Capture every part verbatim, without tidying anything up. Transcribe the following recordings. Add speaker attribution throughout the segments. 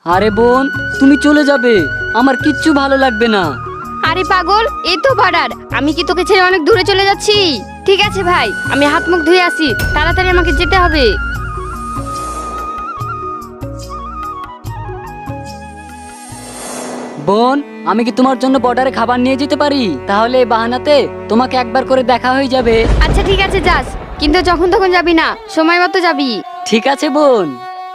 Speaker 1: আরে বোন, তুমি চলে যাবে, আমার কিচ্ছু ভালো লাগবে না।
Speaker 2: আরে পাগল, এই তো বর্ডার, আমি কি তোকে ছেড়ে অনেক দূরে চলে যাচ্ছি? ঠিক আছে ভাই, আমি হাত মুখ ধুয়ে আসি, তাড়াতাড়ি আমাকে যেতে হবে।
Speaker 1: বোন, আমি কি তোমার জন্য বর্ডারে খাবার নিয়ে যেতে পারি? তাহলে এই বাহানাতে তোমাকে একবার করে দেখা হয়ে যাবে।
Speaker 2: আচ্ছা ঠিক আছে, যাস, কিন্তু যখন তখন যাবি না, সময় মতো যাবি।
Speaker 1: ঠিক আছে বোন।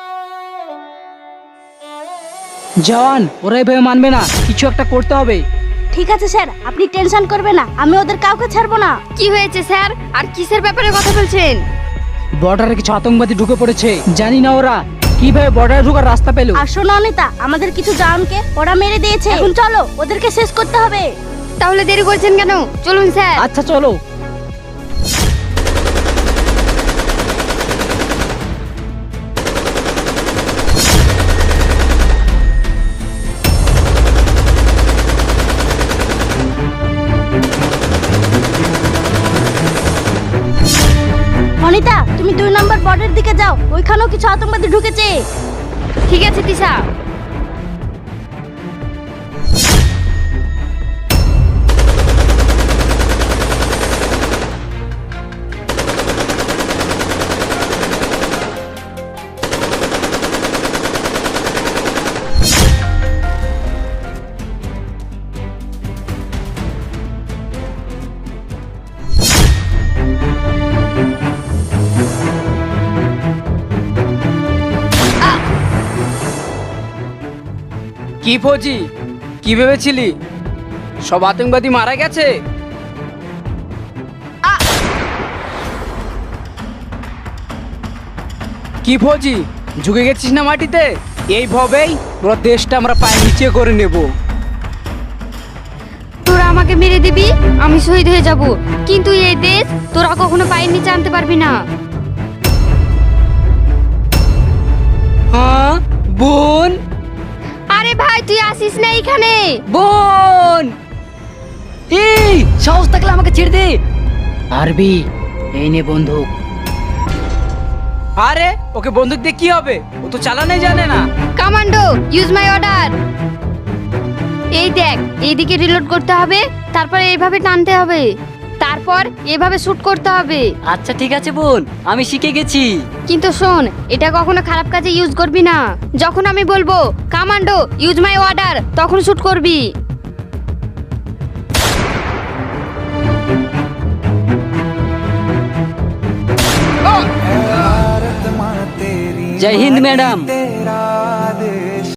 Speaker 3: জওয়ান, ওরা এভাবে মানবে না, কিছু একটা করতে হবে।
Speaker 4: ঠিক আছে স্যার, আপনি টেনশন করবেন না, আমি ওদের কাউকে ছাড়বো না।
Speaker 2: কি হয়েছে স্যার, আর কিসের ব্যাপারে কথা বলছেন?
Speaker 3: বর্ডারে কিছু আতঙ্কবাদী ঢুকে পড়েছে, জানি না ওরা কিভাবে বর্ডারে ঢোকার রাস্তা পেল।
Speaker 4: আর শোনো অনিতা, আমাদের কিছু জওয়ানকে ওরা মেরে দিয়েছে, এখন চলো ওদেরকে শেষ করতে হবে।
Speaker 2: তাহলে দেরি করছেন কেন? চলুন স্যার।
Speaker 3: আচ্ছা চলো।
Speaker 4: অনিতা, তুমি দুই নম্বর বর্ডের দিকে যাও, ওইখানেও কিছু আতঙ্কবাদী ঢুকেছে।
Speaker 2: ঠিক আছে তিশা।
Speaker 3: কি ফৌজি, কি ভেবেছিলি সব আতঙ্কবাদী মারা গেছে? কি ফৌজি, ঝুঁকে গেছিস না মাটিতে? এইভাবেই পুরো দেশটা আমরা পায়ের নিচে করে নেব।
Speaker 2: তোরা আমাকে মেরে দিবি, আমি শহীদ হয়ে যাব, কিন্তু এই দেশ তোরা কখনো পায়ের নিচে আনতে পারবি না।
Speaker 1: হ্যাঁ বোন।
Speaker 2: আরে ভাই, তুই আসিস না এখানে।
Speaker 1: বোন, এই সাহস থাকলে আমাকে ছেড়ে দে।
Speaker 3: পারবি? এই নে বন্দুক। আরে ওকে বন্দুক দিয়ে কি হবে, ও তো চালানোই জানে না।
Speaker 2: Commando, use my order. এই দেখ, এইদিকে রিলোড করতে হবে, তারপরে এইভাবে টানতে হবে, তারপর এভাবে শুট করতে হবে।
Speaker 1: আচ্ছা ঠিক আছে বোন, আমি শিখে গেছি।
Speaker 2: কিন্তু শোন, এটা কখনো খারাপ কাজে ইউজ করবি না। যখন আমি বলবো কমান্ডো ইউজ মাই অর্ডার, তখন শুট করবি।
Speaker 1: জয় হিন্দ ম্যাডাম।